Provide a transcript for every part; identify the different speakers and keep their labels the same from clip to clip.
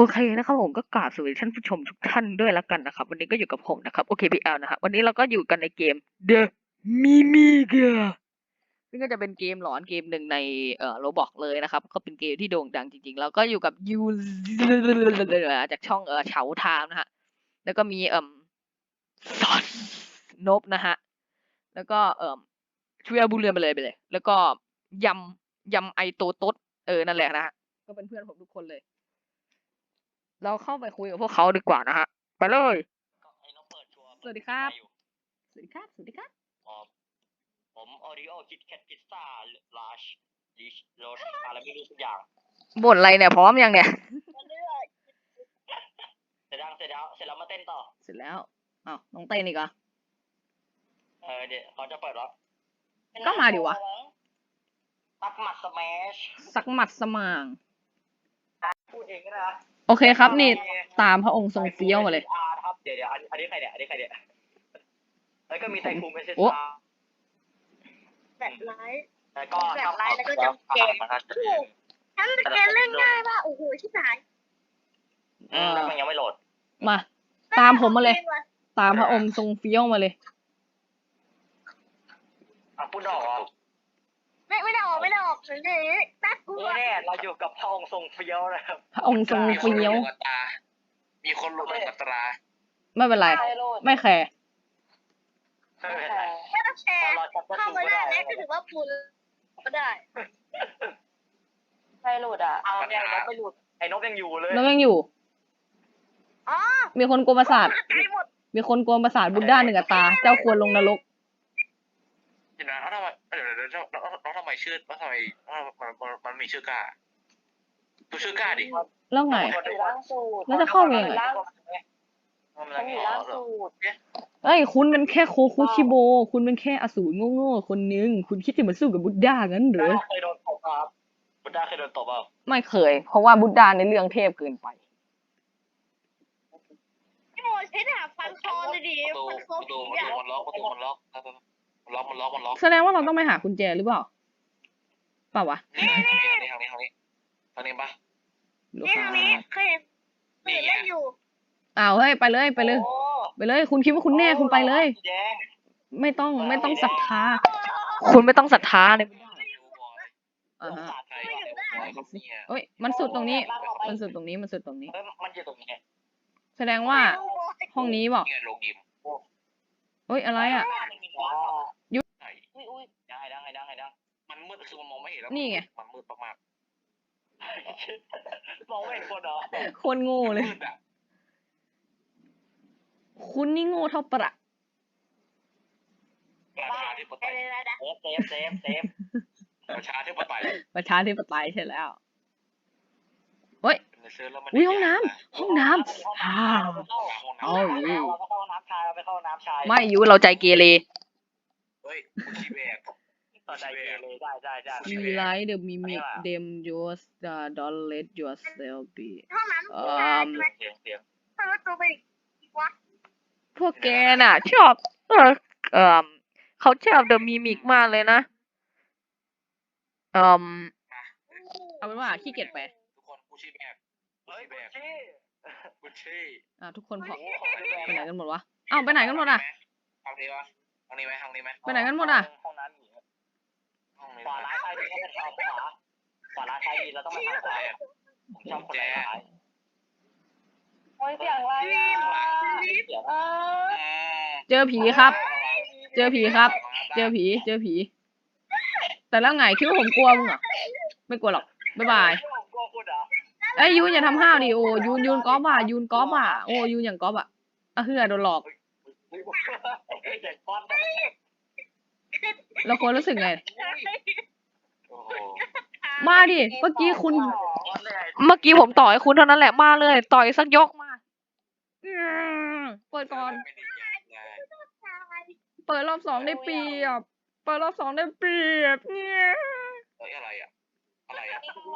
Speaker 1: เคนะครับผมก็กราบสวัสดีท่านผู้ชมทุกท่านด้วยแล้วกันนะครับวันนี้ก็อยู่กับผมนะครับ OKPL นะครับวันนี้เราก็อยู่กันในเกม The Mimiga ซึ่งก็จะเป็นเกมหลอนเกมหนึ่งในRoblox เลยนะครับก็เป็นเกมที่โด่งดังจริงๆแล้วก็อยู่กับยูจากช่องเฉาไทม์นะฮะแล้วก็มีซอนนบนะฮะแล้วก็ช่วยบุญเรือนไปเลยแล้วก็ยำไอโตโต๊ดนั่นแหละนะฮะก็เป็นเพื่อนผมทุกคนเลยเราเข้าไปคุยกับพวกเขาดีกว่านะฮะไปเลยสวัสดีครับสวัสดีครับสวัสดีครับ
Speaker 2: ผมออริโอคิดแคทพิซซ่าลาชลิชโรสอะไรไม่รู้ทุกอย่าง
Speaker 1: บ่นอะไรเนี่ยพร้อมยังเนี่ย
Speaker 2: เสร็จแล้วมาเต้นต่อ
Speaker 1: เสร็จแล้วอ้าวน้องเต้นอีกเหรอ
Speaker 2: เดี๋ยวเขาจะเปิดรับ
Speaker 1: ก็มาดิวะ
Speaker 2: ตักหมัดสแมช
Speaker 1: สักหมัดสมาง
Speaker 2: พูดเองก็ได้นะ
Speaker 1: โอเคครับนี่ตามพระองค์ทรงเฟี้ยวมาเลย
Speaker 2: ครับเดี๋ยวอันนี้ใครเนี่ยแล้วก็มีไทคูเมสเซา
Speaker 3: แบบไลฟ์
Speaker 2: แล้วก็
Speaker 3: แบบไลฟ์แล้วก็จำแกฉันแกเล่นง่ายป่ะโอ้โหชิบหาย
Speaker 2: แล้วมันยังไม่โหลด
Speaker 1: มาตามผมมาเลยตามพระองค์ทรงเฟี้ยวมาเลย
Speaker 2: พูดออกเหรอ
Speaker 3: ไม่ได้ออกเฉยๆน่ากลัว
Speaker 2: แน่เราอยู่กับพระองค์ทรงเฟี้ยวนะครับ
Speaker 1: พระองค์ทรงเฟี้ยว
Speaker 2: มีคนลงกับตรา
Speaker 1: ไม่เป็นไรไม่แคร์
Speaker 3: ไม่ต้องแชร์เข้ามาได้แล้วก็ถือว่าพูดก็ได้
Speaker 2: ใครหลุดอ่ะเอาเนี่ยนกไม่หลุดไอ้นกยังอยู่เลย
Speaker 1: นกยังอยู่
Speaker 3: อ๋อ
Speaker 1: มีคนกวนประสาทมีคนกวนประสาทบุญด้าหนึ่งตาเจ้าควรลงนรก
Speaker 2: เดี๋ยวนะทำไมแล้วทำไมชื่อแล้วทำไมมันมีชื่อกล้าดูชื่อกล้าดิ
Speaker 1: แล้วไงแล้วจะเข้ายังไงเอ้ยคุณเป็นแค่โคคุชิโบคุณเป็นแค่อสูรโง่ๆคนนึงคุณคิดจะมาสู้กับบุญด้างั้นหรือ
Speaker 2: เคยโดนตบครับบุญด้าเคยโดนตบเปล่า
Speaker 1: ไม่เคยเพราะว่าบุญด้าในเรื่องเทพเกินไป
Speaker 3: พี่โมใช้ดาบฟันคอเลยดิฟันคอผีอ่ะ
Speaker 2: มันล็อก
Speaker 1: แสดงว่าเราต้องไปหากุญแจหรือเปล่าเปล่าวะ
Speaker 2: ทางนี้ปะ
Speaker 3: นี่ทางนี้เคยเห็นเล่นอยู่
Speaker 1: อ้าวเฮ้ยไปเลยคุณคิดว่าคุณแน่คุณไปเลยไม่ต้องศรัทธาคุณไม่ต้องศรัทธาเลยเฮ้ยมันสุดตรงนี้มันอยู่ตรงนี้แสดงว่าห้องนี้บอกเฮ้ยอะไรอ่ะ
Speaker 2: ยุดังมันมืดคือมันมองไม่เห็นแล้ว
Speaker 1: นี่ไง
Speaker 2: มันมืดมากมองไม่เห็นคนเหรอ
Speaker 1: คนโง่เลยคุณนี่โง่เท่าประ
Speaker 2: เซฟประชาธิปไต
Speaker 1: ยใช่แล้วเฮ้ยอุ้ยห้องน้ำ
Speaker 2: เราไปเข้าน้ำชาย
Speaker 1: ไม่อยู่เราใจเกเร
Speaker 2: เฮ้ยชีเบกใจเกเรได้
Speaker 1: We like the mimic them just don't let yourself be
Speaker 2: เสียง
Speaker 1: พวกแกน่ะชอบเขาชอบเดอะมิมิกมากเลยนะเอาเป็นว่าขี้เกียจไป
Speaker 2: ทุกคนกูชี้แบกกูชี้
Speaker 1: ทุกคนพอไปไหนกันหมดวะอ้าวไปไหนกันหมดอ่ะ
Speaker 2: ทางนี้ไหม
Speaker 1: ไปไหนกันหมดอ่ะ
Speaker 2: ห้องนั้นขวาร้ายใครดีก็เป็นขวาร้ายใครดีเราต้องมาทางซ้ายผมชอบคนร้าย
Speaker 3: โอ้ยเสียงอะไร
Speaker 1: เจอผีครับเจอผีแต่แล้วไงคิดว่าผมกลัวมึงเหรอไม่กลัวหรอกบ๊ายบายไอ้ยูนอย่าทำห้าวดิโอ้ยูนก๊อฟอ่ะโอ้ยูนอย่างก๊อฟอ่ะเฮือโดนหลอกเราควรรู้สึกไงมาดิเมื่อกี้ผมต่อยคุณเท่านั้นแหละมาเลยต่อยสักยกมาเปิดก่อนเปิดรอบ2ได้เปรียบเนี่ย
Speaker 2: อะไรอ่ะ
Speaker 3: เฮ้ย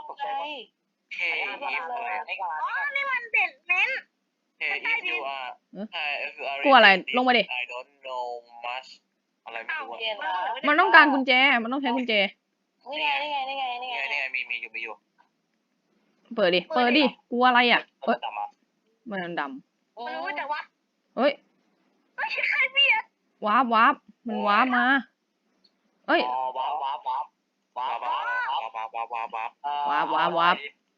Speaker 3: นี่มันเด็ดเน้น
Speaker 1: กลัวอะไรลงมาดิมันต้องการกุญแจมันต้องใช้กุญแจ
Speaker 2: นี่ไงมีอยู่
Speaker 1: เปิดดิกลัวอะไรอ่ะเอ้ยมันดำ
Speaker 3: มันรู้แต่ว่า
Speaker 1: เอ้ย
Speaker 3: ไม่ใช่ใครเบียด
Speaker 1: วาร์ปมันวาร์ปมาเอ้ย
Speaker 2: ว้าวว้าวว้าวว้าวว้าวว้าวว้าวว้าวว้าว
Speaker 1: วาร์ป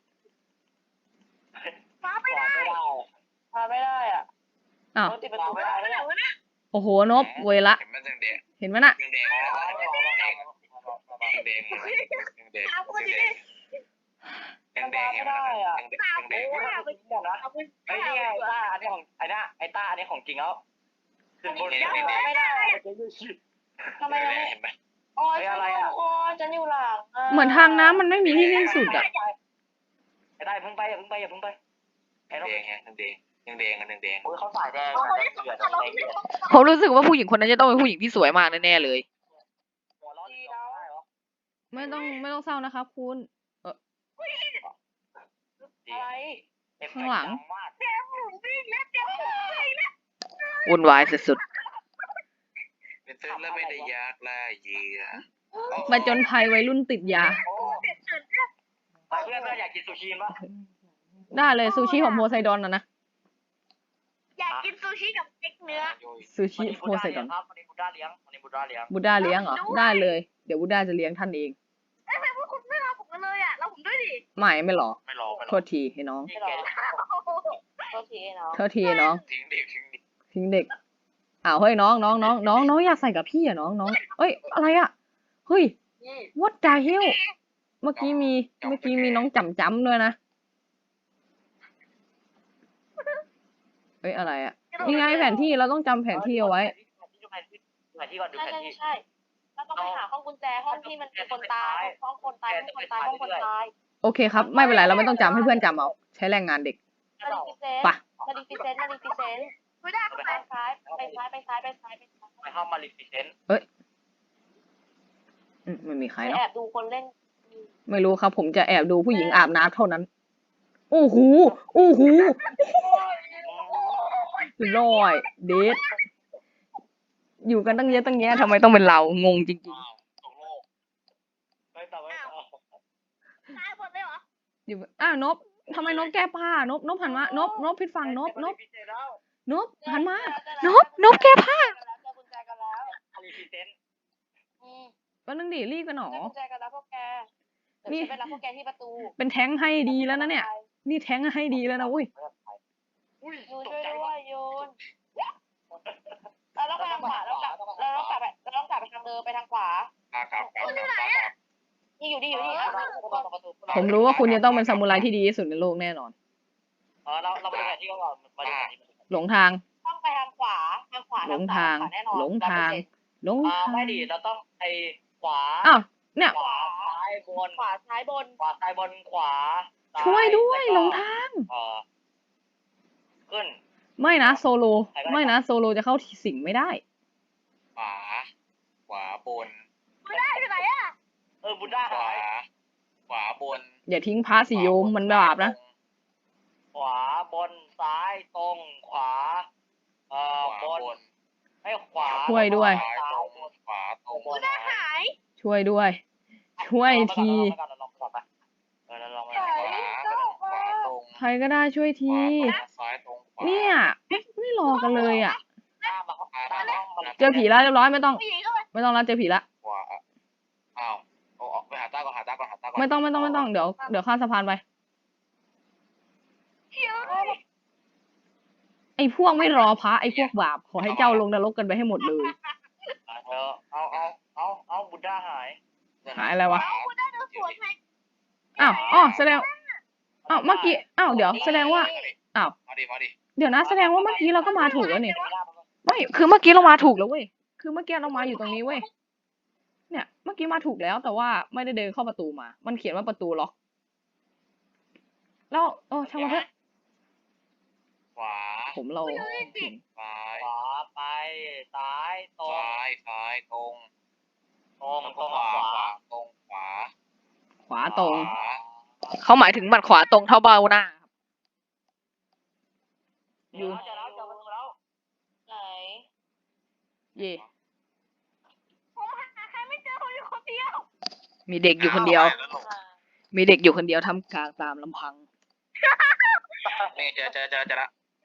Speaker 3: ฟ้าไม่ได้
Speaker 4: มาไม่ได้อ่ะ
Speaker 1: อ้าว
Speaker 4: ติดประตูไม่
Speaker 3: ฟ้า
Speaker 4: ได้
Speaker 3: ไม่ได้วะเนี่ย
Speaker 1: โอ้โหนบเวยละ
Speaker 2: เห็นมันแดงแดง
Speaker 1: เห็นไหมน่ะ
Speaker 2: แดงแดงแดงแดงแดง
Speaker 3: ตามคนดิ
Speaker 2: แดงแดงแดงแดง
Speaker 3: ตาม
Speaker 2: แด
Speaker 3: กู
Speaker 2: ง
Speaker 3: เอาไปเอาไป
Speaker 4: ไอ้นี่ไงต้าอันนี้ของไอ้ต้าอันนี้ของจริงแล้วขึ้นบน
Speaker 3: ไม่ได้
Speaker 4: ทำไม
Speaker 2: เห็นไหม
Speaker 4: อ๋ออะไรอ่ะอ๋อจะอยู่หลัง
Speaker 1: เหมือนทางน้ำมันไม่มีที่สิ้นสุดอ่ะ
Speaker 4: ไอ้ต้าอย่าเพิ่งไปไอ้น้อง
Speaker 2: แดงแดงแดงแดง
Speaker 4: โอ้ยเขาสายแดง
Speaker 3: เอา
Speaker 4: สาย
Speaker 3: ไป
Speaker 4: แดงเดือด
Speaker 3: ตลก
Speaker 4: แดงเดือด
Speaker 1: ผมรู้สึกว่าผู้หญิงคนนั้นจะต้องเป็นผู้หญิงที่สวยมากแน่ๆเลย
Speaker 4: หัวร้อนดีแล้ว
Speaker 1: ไม่ต้องเศร้านะครับคุณ
Speaker 4: อะไร
Speaker 1: ข้างหลัง
Speaker 3: เจ็บหมุนวิ่งแล้วเจ็บหมุนวิ่งแล้ว
Speaker 1: วุ่นวายสุด
Speaker 2: เป็นตื้นแล้วไม่ได้ยากล่าเหยื่อ
Speaker 1: ๆมาจนภัยวัยรุ่นติดยา
Speaker 4: โอ้ไปเพื่อนอยากกินซูชิป่ะ
Speaker 1: ได้เลยซูชิของโพไซดอนนะ
Speaker 3: อยากกินซูชิกับเอ็กเนื้อ
Speaker 1: ซูชิโพไซดอน
Speaker 4: ครับวันนี้บูด้าเลี้ยงวันนี้บูด้าเลี้ยง
Speaker 1: บูดาเลี้ยงเหรอ ได้เลย เดี๋ยวบูดาจะเลี้ยงท่านเอง
Speaker 3: เอ้ยทำไมพวกคุณไม่รอผมกันเลยอ่ะเราผมด้วยดิ
Speaker 1: ไม่หรอ
Speaker 2: ไม่รอ
Speaker 1: โทษทีให้น้อง
Speaker 4: ไม่หรอโทษทีเนาะ
Speaker 1: โทษทีน้อง
Speaker 2: ทิ้งเด็กทิ้งเด็ก
Speaker 1: ทิ้งเด็ก อ้าวเฮ้ยน้องอยากใส่กับพี่อะน้องเอ้ยอะไรอะเฮ้ย what the hell เมื่อกี้มีน้องจำด้วยนะเอ้ยอะไรอะนี่ไงแผนที่เราต้องจำแผนที่เอาไว้
Speaker 4: แผนที่ก่อนดูแผนที่
Speaker 5: ใช่เราต้องไปหาห้องกุญแจห้องที่มันมีคนตายห้องคนตายห้องคนตายห้องคนตาย
Speaker 1: โอเคครับ ไม่เป็นไรเราไม่ต้องจำให้เพื่อนจำเอาใช้แรงงานเด็ก
Speaker 5: มาดิฟิเซน
Speaker 1: ไป
Speaker 5: มาดิฟิเซน
Speaker 3: ไม่ได้
Speaker 5: ไปซ้ายไปซ้ายไปซ้ายไปซ้ายไปซ้าย
Speaker 4: ไปเข้ามาลิฟิเซนต์
Speaker 1: ไม่มีใคร
Speaker 5: ไป
Speaker 1: เนาะ
Speaker 5: แอบดูคนเล่น
Speaker 1: ไม่รู้ครับ ผมจะแอบดูผู้หญิงอาบน้ำเท่านั้นโอ้โหลอยเดทอยู่กันตั้งเยอะตั้งแยะทำไมต้องเป็นเรางงจริง
Speaker 2: ตกโลก
Speaker 4: ไปต่อไปต่อ
Speaker 3: ตายหมดเลยเหรอ
Speaker 1: ๆอยู่นบทำไมนบแก้ผ้านบหันมานบผิดฝั่งนบหันมานบแก้ผ้า
Speaker 5: เจอกุญแจกันแล้ว
Speaker 4: ลิฟิเซนต์
Speaker 1: ก็นึงดิรีบกันหนอ
Speaker 5: เจอกุญแจกันแล้วพวกแกเดี๋ยวฉันไปรับพวกแกที่ประตู
Speaker 1: เป็นแท้งให้ดีแล้วนะเนี่ย นี่แท้งให้ดีแล้วนะเว้ย
Speaker 4: อุ้ย
Speaker 5: ยูน
Speaker 4: ต
Speaker 5: ช่
Speaker 4: ก
Speaker 5: วย
Speaker 4: ใจ
Speaker 5: ด้ว
Speaker 4: ว่ะ
Speaker 5: ยยูนเราต้องไปทางขวาเราต้องกลับไปทางเดิมไปทางขวา
Speaker 2: ครับ
Speaker 5: นี่อยู่นี่
Speaker 1: ผมรู้ว่าคุณจะต้องเป็นซามูไรที่ดีที่สุดในโลกแน่นอน
Speaker 4: เราไปดูแผนที่ก่อนมาดูแผนที่
Speaker 1: หลงทาง
Speaker 5: ต้องไปทางขวา
Speaker 1: หลงทาง
Speaker 5: แน่นอน
Speaker 1: หลงทาง
Speaker 4: ไม่ดีเราต้องไปขวา
Speaker 1: อ้าวเนี่ย
Speaker 4: ขวาซ้ายบน
Speaker 5: ขวาซ้ายบน
Speaker 4: ขวาซ้ายบนขวา
Speaker 1: ช่วยด้วยหลงทาง
Speaker 4: ขึ้น
Speaker 1: ไม่นะโซโลไม่นะโซโลจะเข้าสิงไม่ได้
Speaker 2: ขวาบน
Speaker 3: ไม่ได้ไปไหนอ่ะ
Speaker 4: บุด้า
Speaker 2: ขวา
Speaker 4: หาย
Speaker 2: ขวาบน
Speaker 1: อย่าทิ้งพระสิโยมมันบาปนะ
Speaker 4: ขวาบนซ้ายตรงขวาบนให้ขวา
Speaker 1: ช่วยด้วย
Speaker 2: ซ้ายตรงขวาตรง
Speaker 3: ไม่ได้หาย
Speaker 1: ช่วยด้วย ช่วยที
Speaker 4: เราลองก่อนไปเราลอง
Speaker 2: ขวาขวาตรง
Speaker 1: ใครก็ได้ช่วย
Speaker 2: ข
Speaker 1: ที
Speaker 2: วาซ้ายตรงขวา
Speaker 1: เนี่ยไม่รอกันเลยอ่ะ
Speaker 4: ตามมา
Speaker 1: เจอผีแล้วเรียบร้อยไม่ต้อง
Speaker 3: ผู้หญิงก็ไป
Speaker 1: ไม่ต้องแล้วเจอผีละ
Speaker 2: ขวาอ้าวเอาไปหาตาก่อน
Speaker 1: ไม่ต้องเดี๋ยวข้ามสะพานไป
Speaker 3: เชี่ยว
Speaker 1: ไอ้พวกไม่รอพระไอ้พวกบาปขอให้เจ้าลงนรกกันไปให้หมดเลย
Speaker 4: เอาบุด้าหาย
Speaker 1: หายอะไรวะ
Speaker 3: เอาคุณได้เดินสวนไหม
Speaker 1: อ้าวแสดงเมื่อกี้เดี๋ยวแสดงว่า
Speaker 2: มาดิ
Speaker 1: เดี๋ยวนะแสดงว่าเมื่อกี้เราก็มาถูกแล้วนี่ไม่คือเมื่อกี้เรามาถูกแล้วเว้ยคือเมื่อกี้เรามาอยู่ตรงนี้เว้ยเนี่ยเมื่อกี้มาถูกแล้วแต่ว่าไม่ได้เดินเข้าประตูมา มันเขียนว่าประตูล็อกแล้วช่างมันเถอะ
Speaker 2: ขวา
Speaker 1: ผมเรา
Speaker 2: ซ้าย
Speaker 4: ขวาไปซ้ายตรง
Speaker 2: ซ้ายตรง
Speaker 4: ตรง
Speaker 2: ขวาตรงขวา
Speaker 1: ขวาตรง
Speaker 2: ขวา
Speaker 1: เขาหมายถึงบัดขวาตรงเท่าเบาหน้า
Speaker 4: อยู่เจอแล้วเจอประตูแล้ว
Speaker 5: ไหน
Speaker 1: เย่
Speaker 3: ผมหาใครไม่เจอผมอยู่คนเดียว
Speaker 1: มีเด็กอยู่คนเดียวมีเด็กอยู่คนเดียวทำกลางตามลำพัง
Speaker 2: นี่เจอละ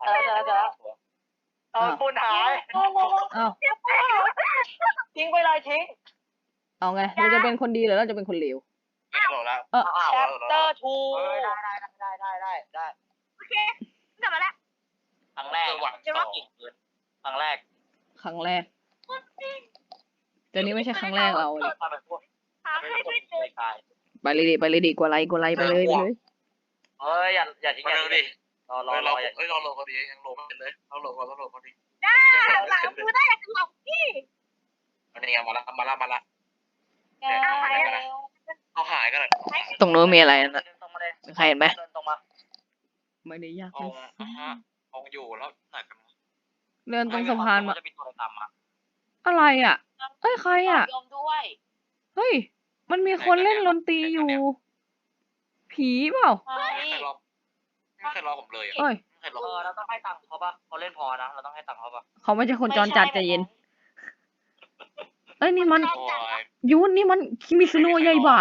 Speaker 4: ปูนหาย
Speaker 1: อ้าว
Speaker 4: ทิ้งไปเลยทิ้ง
Speaker 1: เอาไงเราจะเป็นคนดีหรือเราจะเป็นคนเลว
Speaker 2: นี่โหลดแล้ว
Speaker 4: แชปเตอร์ทู ได้
Speaker 5: กลับมาแล้ว
Speaker 4: ครั้งแรก ครั้งแรก
Speaker 1: ครั้งแรกแต่นี่ไม่ใช่ครั้งแรกเราเลย
Speaker 5: หาให้ด้วยเจอ
Speaker 1: ไปเลยดิกว่าไรไปเลย
Speaker 4: เฮ้ยอย่าทิ้ง
Speaker 2: มา
Speaker 4: อย่า
Speaker 2: เร็ว
Speaker 4: ทิ้
Speaker 2: ดิ
Speaker 4: งรอ
Speaker 2: เรา
Speaker 4: อย่า
Speaker 2: เราโหลดพอดียังโหลดไม่เป็นเลยเราโหลดพอดี
Speaker 5: ได้หลังมือได้หลอกพี่
Speaker 2: อันนี้มาละ
Speaker 5: เอาหายแล้ว
Speaker 2: เอาหายกันเลย
Speaker 1: ตรงนู้นมีอะไรนะ
Speaker 4: ตรงมาเลย
Speaker 1: ใครเห็นไหม
Speaker 4: เดินตรงมา
Speaker 1: ไม่ได้ยาก
Speaker 2: เอาเอาอยู่แล้วไหนกัน
Speaker 1: เดินตรงสะพานมา
Speaker 4: จะมีตัวอะไรตามมา
Speaker 1: อะไรอ่ะเอ้ยใครอ่ะ
Speaker 5: ยอมด้วย
Speaker 1: เฮ้ยมันมีคนเล่นดนตรีอยู่ ผีเปล่า
Speaker 2: ไม่เคยรอผมเลย
Speaker 1: เอ้ย
Speaker 2: ไม่เคยรอ
Speaker 4: เราต้องให้ตังค์เขาปะเขาเล่นพอนะเราต้องให้ตังค์เขาปะ
Speaker 1: เขาไม่ใช่คนจรจัดใจเย็นเอ้ยนี่มัน
Speaker 2: โอ้ย
Speaker 1: ยูนนี่มันคิมิซุโนะใหญ่บ่า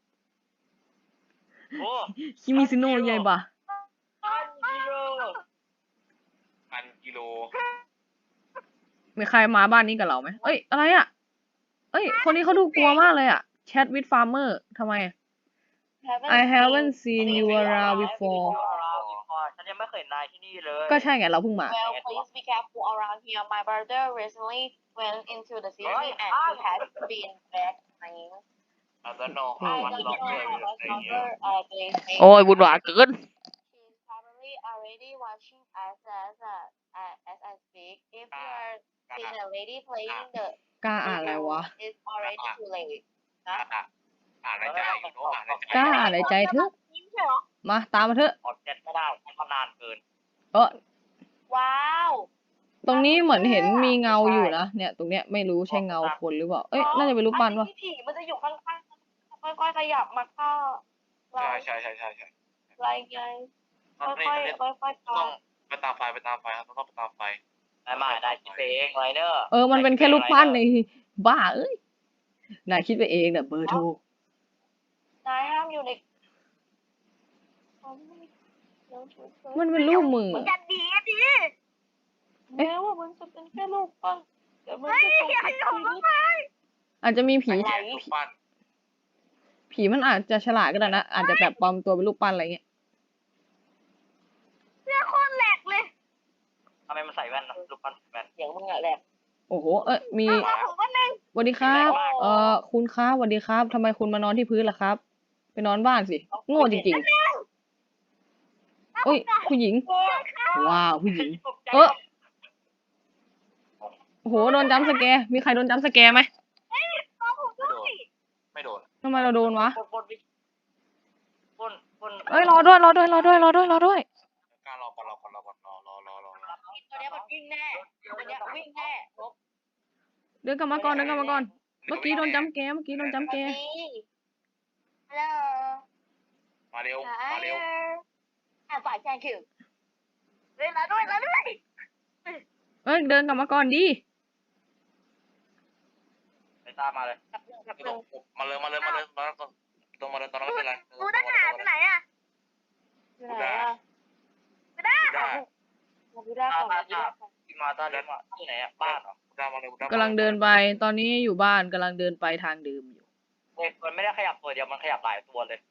Speaker 4: โอ้
Speaker 1: คิมิซุโนะใหญ่บ่า
Speaker 2: 1,000 กิโล
Speaker 1: มีใครมาบ้านนี้กับเราไหมเอ้ยอะไรอ่ะเอ้ยคนนี้เขาดูกลัวมากเลยอ่ะ Chat with Farmer ทำไม I haven't seen you around before
Speaker 4: ฉันยังไม่เคยนายที่นี่เลย
Speaker 1: ก็ใช่ไงเราเพิ่งมา
Speaker 5: Well, please be careful around here. My brother recently went into the city and he has been back crying.
Speaker 2: อาจจะนอน
Speaker 5: I
Speaker 2: วัน
Speaker 5: don't
Speaker 2: ล็อก
Speaker 5: know
Speaker 2: เลย
Speaker 5: how much longer they may
Speaker 1: โอ้ยวุ่นวายเกิน
Speaker 5: She's probably already watching us as I speak. If you are seeing a lady playing the
Speaker 1: กล้าอ่านอะไรวะ
Speaker 5: it's already too late.
Speaker 2: อ่านในใจอยู่โน้อ่านในใจ
Speaker 1: กล้าอ่านในใจเถอะ
Speaker 5: ยิ้มใช่เหรอ
Speaker 1: มาตามมาเถอะ
Speaker 4: ออกเจ็ดไม่ได้เขานานเกิน
Speaker 1: เออ
Speaker 5: ว้าว
Speaker 1: ตรงนี้เหมือนเห็นมีเงาอยู่นะเนี่ยตรงเนี้ยไม่รู้ใช่เงาคนหรือเปล่าเอ้ยน่าจะเป็นรูปปั้นวะ
Speaker 5: อัผีมันจะอยู่ข้างๆค่อยๆขยับมาเข้าเรา
Speaker 2: ใช่
Speaker 5: อะไรไง
Speaker 2: ตอน
Speaker 5: ค่
Speaker 2: นี้
Speaker 5: อยๆค่อยๆ
Speaker 2: ต้อง
Speaker 5: ทำ
Speaker 2: ไปตามไฟครับต้องไปตามไฟ
Speaker 4: ได้คิดเองไรเนอร์
Speaker 1: เออมันเป็นแค่รูปปั้นในบ้าเอ้ยนายคิดไปเองเนี่ยเบอร์โทร
Speaker 5: นายห้ามอยู่ใน
Speaker 1: มันเป็นรูปมือ
Speaker 5: มันจะดีดิแม้ว่ามันจะเป็นแค่รูปปั้นแต่มันจะเป็นชีวิต
Speaker 1: อาจจะมีผี
Speaker 2: แกรูปปั้น
Speaker 1: ผีมันอาจจะฉลาดก็ได้นะอาจจะแบบปลอมตัวเป็นรูปปั้นอะไรเงี้ย
Speaker 5: เสื้อโคตรแหลกเลย
Speaker 4: ทำไมมันใส่แว่นนะรูปปั้นแว่น
Speaker 5: เสียงมึงอะแหลก
Speaker 1: โอ้โหเอ้ยมี
Speaker 5: ผมก็นึง
Speaker 1: สวัสดีครับคุณครับสวัสดีครับทำไมคุณมานอนที่พื้นล่ะครับ ไปนอนบ้านสิโง่จริงๆเอ้ยผู้หญิง ว้าวผู้หญิง เออโอ้โหโดนจัมป์สแกร์มีใครโดนจัมป์สแกร์ไหม
Speaker 2: ไม่โดน
Speaker 1: ทำไมเราโดนวะ
Speaker 4: ปน
Speaker 1: เอ้ยรอด้วย
Speaker 2: การรอก่อน
Speaker 5: ตัวนี้มันวิ่งแน่ตัวนี้วิ่งแน่ลบ
Speaker 1: เดินกลับมาก่อนเมื่อกี้โดนจัมป์สแกร์ฮัลโหล
Speaker 2: มาเร็ว
Speaker 5: ฝ่ายแข่งคือเลยละด้วย
Speaker 1: เอ้ยเดินกลับมาก่อนดิ
Speaker 4: ไปตามมาเลย
Speaker 2: มาเลยตอนนั้นไม่เป็นไร
Speaker 5: กูได้หาไปไหนอ่ะไม่ได้
Speaker 4: ที่มาตาเดินมาที่ไหนอ่ะบ้านเหรอก
Speaker 1: ำลังเดินไปตอนนี้อยู่บ้านกำลังเดินไปทางเดิมอยู่
Speaker 4: มันไม่ได้ขยับตัวเดียวมันขยับหลายตัวเลย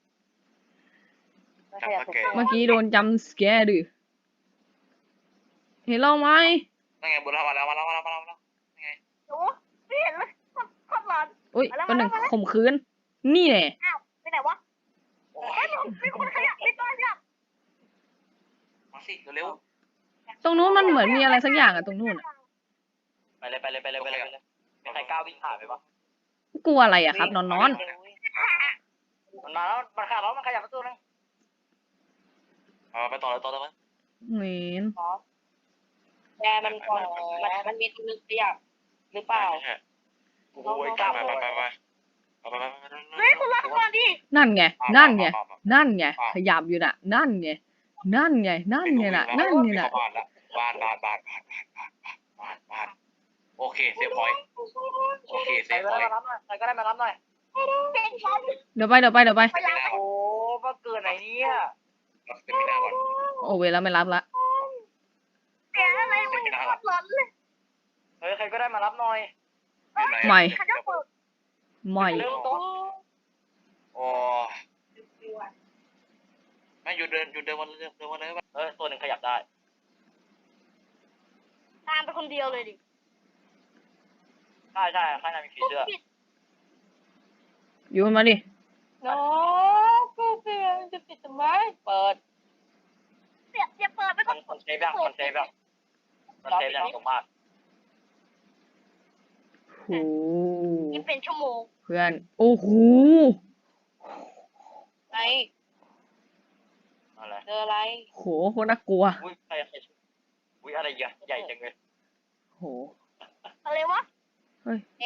Speaker 1: เมื่อกี้โดนจัมป์สแกร์ดิเห็นเราไหม
Speaker 2: นั่นไงบุญมาแล้ว
Speaker 5: โอ้ไม่เห็นเลยโคตรร้อน
Speaker 1: อุ้ยเป็นหนึ่งข่มขืนนี่แหละ
Speaker 5: ไปไหนวะมีคนขยับมีตัวขยับ
Speaker 2: มาสิเร็ว
Speaker 1: ตรงนู้นมันเหมือนมีอะไรสักอย่างอะตรงนู้นอะ
Speaker 4: ไปเลยมีใครกล้าวิ่งผ่านไปปะ
Speaker 1: กลัวอะไรอะครับนอน
Speaker 4: มันมาแล้วมันขาดแล้วมันขยับประตูนึง
Speaker 2: ไปต่อเลย
Speaker 1: เหม็น
Speaker 5: แกมันก่อนมันมีตัวนึงขยับหรือเปล่า
Speaker 2: โอ้ยกล้าไป
Speaker 5: คุณรอก่อนดิ
Speaker 1: นั่นไงขยับอยู่น่ะนั่นไงน่ะนั่นไงน่ะ
Speaker 2: บ้านโอเคเซฟพอยต์
Speaker 4: ใครก็ได้มารับหน่อย
Speaker 5: เป็นฉัน
Speaker 1: เดี๋ยวไป
Speaker 5: พยายาม
Speaker 4: โอ้ว่าเกินไหนเนี่ย
Speaker 2: รับสเตมินาก่อน
Speaker 1: โอเวแล้วไม่รับละ
Speaker 3: เสียอะไรมันโคตรร้อนเลย
Speaker 4: เฮ้ยใครก็ได้มารับหน่อย
Speaker 2: อยู่ไหน
Speaker 1: ไม่
Speaker 3: เขาจะเปิด
Speaker 1: ไม่
Speaker 4: เร็วโต๊ะ
Speaker 2: โอ้ไม่อยู่เดินวันเดินวันเลย
Speaker 4: ตัวหนึ่งขยับได้
Speaker 3: ตามไปคนเดียวเลยดิ
Speaker 4: ใช่ข้างในมีผีเสื้อ
Speaker 1: ยูนมาดิ
Speaker 3: โน้กูเสียจะปิดทำไม
Speaker 4: เปิด
Speaker 3: เสียเปิดไปก่อน
Speaker 4: มันเซฟยังมันเซฟยังสมบัติ
Speaker 1: โอ้โห
Speaker 3: นี่เป็นชั่วโมง
Speaker 1: เพื่อน โอ้โห
Speaker 3: ไง
Speaker 4: อะไร
Speaker 3: เจออะไร
Speaker 1: โหโคตรน่ากลัว
Speaker 4: อุ้ยใครอุ้ยอะไรใหญ่จังเลย
Speaker 1: โห
Speaker 3: อะไรวะ
Speaker 1: เฮ้ย
Speaker 3: เอ๋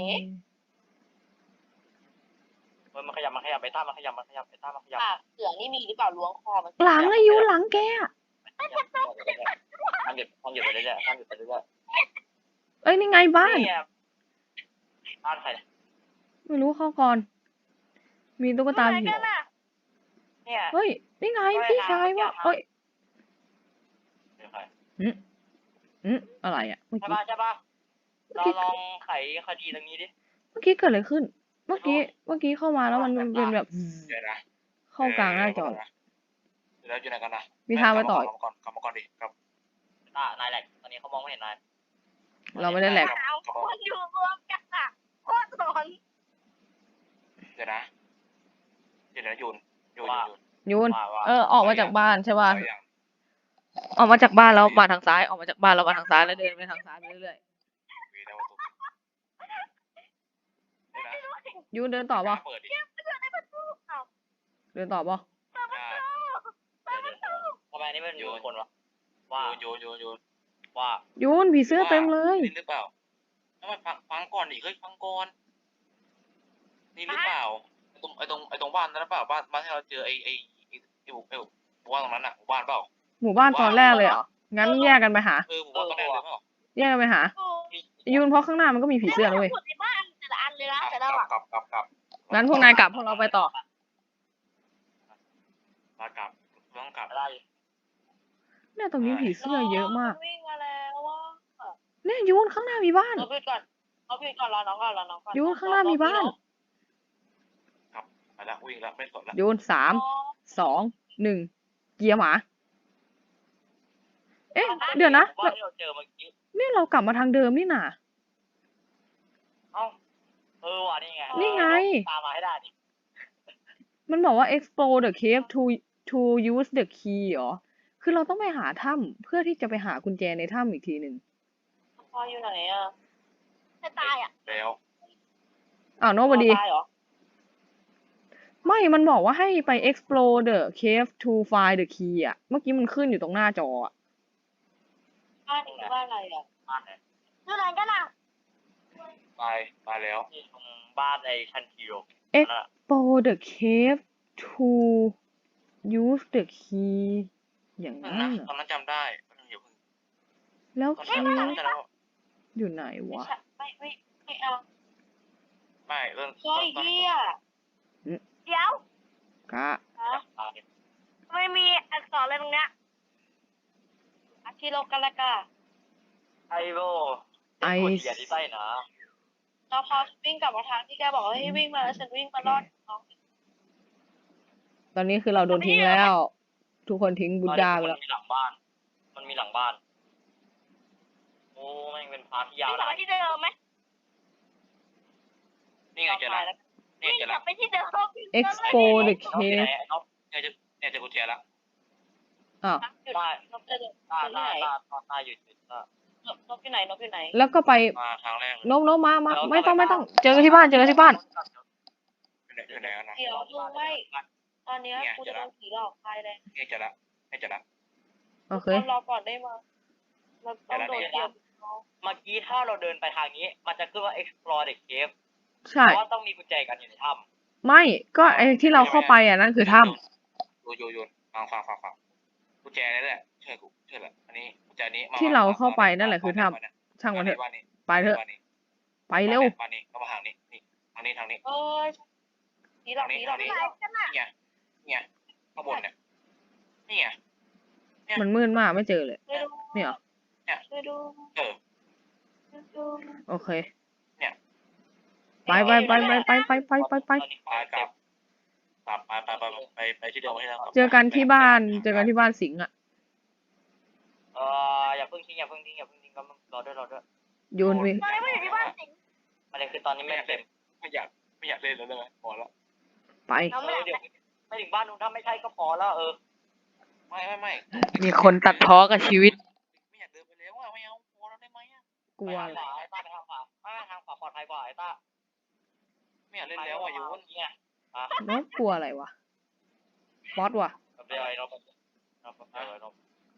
Speaker 4: มันขยับไปท่ามันขยับไปท่ามันขยับ
Speaker 3: ปากเสือนี่มีหรือเปล่าล้วงคอมัน
Speaker 1: หลังอะยูนหลังแกอะ
Speaker 4: ทำหยุดไปเรื่อย
Speaker 1: เอ้ยนี่ไงบ้าน
Speaker 4: เนี่ยบ้านใคร
Speaker 1: ไม่รู้เข้าก่อน มีตุ๊กตา
Speaker 3: อะไร
Speaker 1: ผี
Speaker 3: กันน่ะ
Speaker 4: เนี่ย
Speaker 1: เฮ้ย นี่ไงพี่ชายวะเอ้ย
Speaker 4: เป็นใคร
Speaker 1: อะไรอะเมื่อ
Speaker 4: ใช่
Speaker 1: กี้
Speaker 4: ป่ะเราลองไขคดีตรงนี้ดิ
Speaker 1: เมื่อกี้เกิดอะไรขึ้น เมื่อกี้เข้ามาแล้วมันเป็นแบบ
Speaker 2: เดี๋ยวนะ
Speaker 1: เข้ากลางหน้าจอ
Speaker 2: แล้วอยู่ไหนกันนะ
Speaker 1: มีทางไปต่อ
Speaker 2: กลับมาก่อนดิครับ
Speaker 4: นายแหลกตอนนี้เขามองไม่เห็นนาย
Speaker 1: เราไม่ได้แหลก
Speaker 3: เอาคนอยู่รวมกันอ่ะโคตรร้อน
Speaker 2: เดี๋ยวนะยูน
Speaker 1: ยูน
Speaker 4: ว่า
Speaker 1: ออกมาจากบ้านใช่ป่ะ
Speaker 2: เอาอย่าง
Speaker 1: ออกมาจากบ้านแล้วมาทางซ้าย ออกมาจากบ้านแล้วมาทางซ้ายแล้วเดินไปทางซ้ายไปเรื่อย
Speaker 2: วีแล้วประตูเดี๋ยวนะ
Speaker 1: ๆยูนเดินต่อป่ะ
Speaker 2: เปิดดิ
Speaker 1: เดินต่อป่ะ
Speaker 4: ทำไมนี่มันอยู่คนวะว่า
Speaker 2: โยน
Speaker 1: ยูนผีเสื้อเต็มเลย
Speaker 2: นี่หรือเปล่าทำไมฟังก่อนดิฟังก่อนนี่หรือเปล่าไอ้ตรงบ้านนั้นหรือเปล่าบ้านที่เราเจอไอ้บ้านตรงนั้นอ่ะบ้านเปล่า
Speaker 1: หมู่บ้านตอนแรกเลยเหรอ งั้นแยกกันไปหา
Speaker 2: หมู่บ้านตอนแรกเลยเปล่า
Speaker 1: แยกกันไปหา ยูนเพราะข้างหน้ามันก็มีผีเสื้อนะเว้ย
Speaker 3: ในบ้านแต่ละอันเลยนะแต่ละอ่ะ
Speaker 2: กลับ
Speaker 1: งั้นพวกนายกลับพวกเราไปต่อ
Speaker 2: กลับต้องกลับ
Speaker 4: ได้
Speaker 1: เนี่ยตรงนี้ผีเสื้อเยอะมาก
Speaker 3: วิ่งมาแล้วว่า
Speaker 1: เนี่ยยูนข้างหน้ามีบ้าน
Speaker 3: เราพิดก่อนรอน้องก่อน
Speaker 1: ยูนข้างหน้ามีบ้าน
Speaker 2: ไปแล้ววิ่งแล้วไม่สนแล้ว
Speaker 1: ยูน3 2 1 เกียร์หมา เอ๊ะ เดี๋ยวนะ
Speaker 4: ว่าที่เราเจอเมื่อกี้
Speaker 1: เนี่ยเรากลับมาทางเดิมนี่น่ะ
Speaker 4: ว่ะนี่ไง
Speaker 1: นี่ไง
Speaker 4: ตามมาให้ได้ดิ
Speaker 1: มันบอกว่า explore the cave to use the key เหรอ คือเราต้องไปหาถ้ำเพื่อที่จะไปหากุญแจในถ้ำอีกทีหนึ่ง
Speaker 3: พออยู่ไหนอ่ะจะตายอ่ะ
Speaker 2: แล้ว
Speaker 1: อ้าวโนบดี
Speaker 3: ตายเหรอ
Speaker 1: ไม่ มันบอกว่าให้ไป explore the cave to find the key อ่ะ เมื่อกี้มันขึ้นอยู่ตรงหน้าจออ่ะ
Speaker 3: บ้านนี้บ้านอะไรอ่ะ
Speaker 4: บ้านไหน
Speaker 3: อยู่ไหนกันอ่ะ
Speaker 2: ไปแล้ว
Speaker 4: ที่ตรงบ้านไอ้ชันคิว
Speaker 1: explore the cave to use the key อย่างนั้น
Speaker 2: นะ
Speaker 1: เหรอ
Speaker 2: ตอนนั้นจำได้อย่าเพิ่ง
Speaker 1: แล้ว
Speaker 2: ตอน
Speaker 1: คี
Speaker 2: นั้น
Speaker 1: ย์
Speaker 2: จำได้แล้ว
Speaker 1: อยู่ไหน
Speaker 3: ไม่
Speaker 1: วะ
Speaker 3: ใช่ไม่เอา
Speaker 2: ไม่เรื่อง
Speaker 3: เฮ้ยเฮียเดี๋ยว
Speaker 1: กะ
Speaker 3: ไม่มีอักษรอะไรตรงเนี้ยอาคิโลกาลากา
Speaker 4: ไอโบเสียที่ใต้นะ
Speaker 3: เราพอวิ่งกลับมาทางที่แกบอกให้วิ่งมาแล้วฉันวิ่งมารอดน้อง
Speaker 1: ตอนนี้คือเราโดนทิ้งแล้ว ทุกคนทิ้งบุดดาไปแล้ว
Speaker 4: มันมีหลังบ้าน โอ้แม่งเป็นพาร์ทที่ยาว
Speaker 3: วิ่งกลับ
Speaker 4: นะ
Speaker 3: ไปที่เดิมไหม
Speaker 2: นี่ไงเจอแล้วนี่
Speaker 3: วิ่ง
Speaker 2: เจอก
Speaker 3: ลั
Speaker 2: แล้ว
Speaker 3: บไปที่เดิม
Speaker 1: explore the
Speaker 4: น้องอยู่ไหน
Speaker 1: cave
Speaker 4: น้อง
Speaker 2: เนี่ยเจอกุญแจแล้ว
Speaker 1: อ้าว
Speaker 3: หยุด
Speaker 4: ได้
Speaker 3: นกจะเดิน
Speaker 4: ตา
Speaker 3: ที่ไหน
Speaker 4: อยู่
Speaker 3: นกอยู่ไหนนกอยู่ไหน
Speaker 1: แล้วก็ไป
Speaker 2: มาทางแรก
Speaker 1: โน้มมา ไม่ต้อง เจอกันที่บ้าน
Speaker 2: อยู่ไหนกันนะ
Speaker 3: เดี๋ยวดูไว้ตอนนี้กูจะโดนผีหลอกใครเลย
Speaker 2: นี่เจอแล้ว
Speaker 1: โอเค
Speaker 3: รอก่อนได้มาเราต้องโดนเกี่ยว
Speaker 4: เมื่อกี้ถ้าเราเดินไปทางนี้ มันจะขึ้นว่า explore the cave
Speaker 1: ใช่
Speaker 4: เพราะว่าต้องมีกุญแจกันอยู่ในถ้ำ
Speaker 1: ไม่ ก็ไอ้ที่เราเข้าไปอ่ะนั่นคือถ้
Speaker 2: โยนฟังกุญแจนี่แหละเชื่อแหละอันนี้กุญแจนี้
Speaker 1: ำที่เราเข้าไปนั่นแหละคือถ้ำช่างมันเถอะ ไปเถอะ ไปเร็ว
Speaker 2: บ้านนี้ก็มาทางนี้นี่ทางนี้
Speaker 3: เอ้ยผีหลอกผีหลอก
Speaker 2: นี่ไงเนี่ยข้างบนเนี่ยนี่ไง
Speaker 1: มันมืดมากไม่เจอเลย
Speaker 3: ช่วยดู
Speaker 1: เนี่ยเหรอ
Speaker 3: ช่วยดู
Speaker 2: เออ
Speaker 3: ช่วยดู
Speaker 1: โอเค
Speaker 2: เนี่ย
Speaker 1: ไปไปไปไปไปไปไปไปไป
Speaker 4: ตอนนี้
Speaker 2: ไปกลับไปที่เดิมให้เรา
Speaker 1: เจอกันที่บ้านเจอกันที่บ้านสิงห์อ่ะ
Speaker 4: อย่าเพิ่งทิ้งก็รอด้วย
Speaker 1: โยนไป
Speaker 3: ตอนนี้ไม่อยู่ที่บ้านสิงห์
Speaker 4: ประเด็นคือตอนนี้ไม่เต็ม
Speaker 2: ไม่อยากเล่นแล้วได้ไหมพอแล้ว
Speaker 1: ไป
Speaker 3: เราไม่อยาก
Speaker 4: เดี๋ยวไม่ถึงบ้านนู้นถ้าไม่ใช่ก็พอแล้ว
Speaker 2: ไม่
Speaker 1: มีคนตัดพ้อกับชีวิต
Speaker 2: ไม่อยากเดินไปแล้วอ่ะไม่เอาพอแล้วได้ไหมอ่ะ
Speaker 1: กลัว
Speaker 4: ขวาไอ้ต้าไปทางขวาทางขวาปลอดภัยกว่าไอ้ต้า
Speaker 2: ไม่อยากเล่นแล้วอ่ะโยน
Speaker 4: เนี่ย
Speaker 1: น้องกลัวอะไรวะบอสว่ะ
Speaker 4: เดี๋ยวไอ้นบ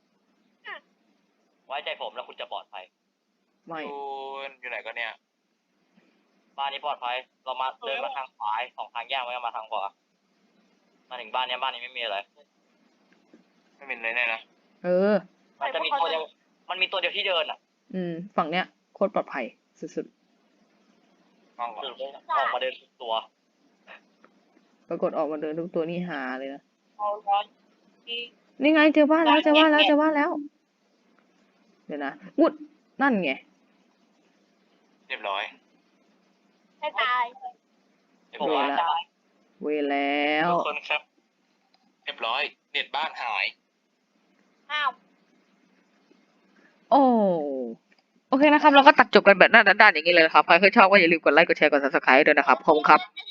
Speaker 4: ไว้ใจผมแล้วคุณจะปลอดภัย
Speaker 1: ไม่
Speaker 2: โยนอยู่ไหนก็เนี่ย
Speaker 4: บ้านนี้ปลอดภัยเรามาเดินมาทางขวาสองทางแยกไว้มาทางขวามาถึงบ้านนี้ไม่มีอะไร
Speaker 2: ไม่เป็นไรแน่นะ
Speaker 1: เออ
Speaker 4: มันจะมีตัวเดียวมันมีตัวเดียวที่เดินอ่ะ
Speaker 1: ฝั่งเนี้ยโคตรปลอดภัยสุด
Speaker 2: ฟังก่อน
Speaker 4: ออกมาเดินตัว
Speaker 1: ๆปรากฏออกมาเดินทุกตัวนี่หาเลยนะ
Speaker 3: เอาร้อนที่
Speaker 1: นี่ไงเจอบ้านแล้วเจอบ้านแล้วเจอบ้านแล้ว เดี๋ยวนะวุดนั่นไง
Speaker 2: เรียบร้อย
Speaker 3: ให้ตาย
Speaker 2: เรียบ
Speaker 4: ผม
Speaker 2: ร้อย
Speaker 4: ว่าได้
Speaker 1: เวแล้ว
Speaker 2: ทุกคนครับเรียบร้อยเน็ตบ้านหาย
Speaker 3: อ้าว
Speaker 1: โอ้โอเคนะครับ เราก็ตัดจบกันแบบด้านๆอย่างนี้เลยนะครับ ใครเคยชอบก็อย่าลืมกดไลค์กดแชร์กด subscribe ด้วยนะครับขอบคุณครับ
Speaker 3: ไม่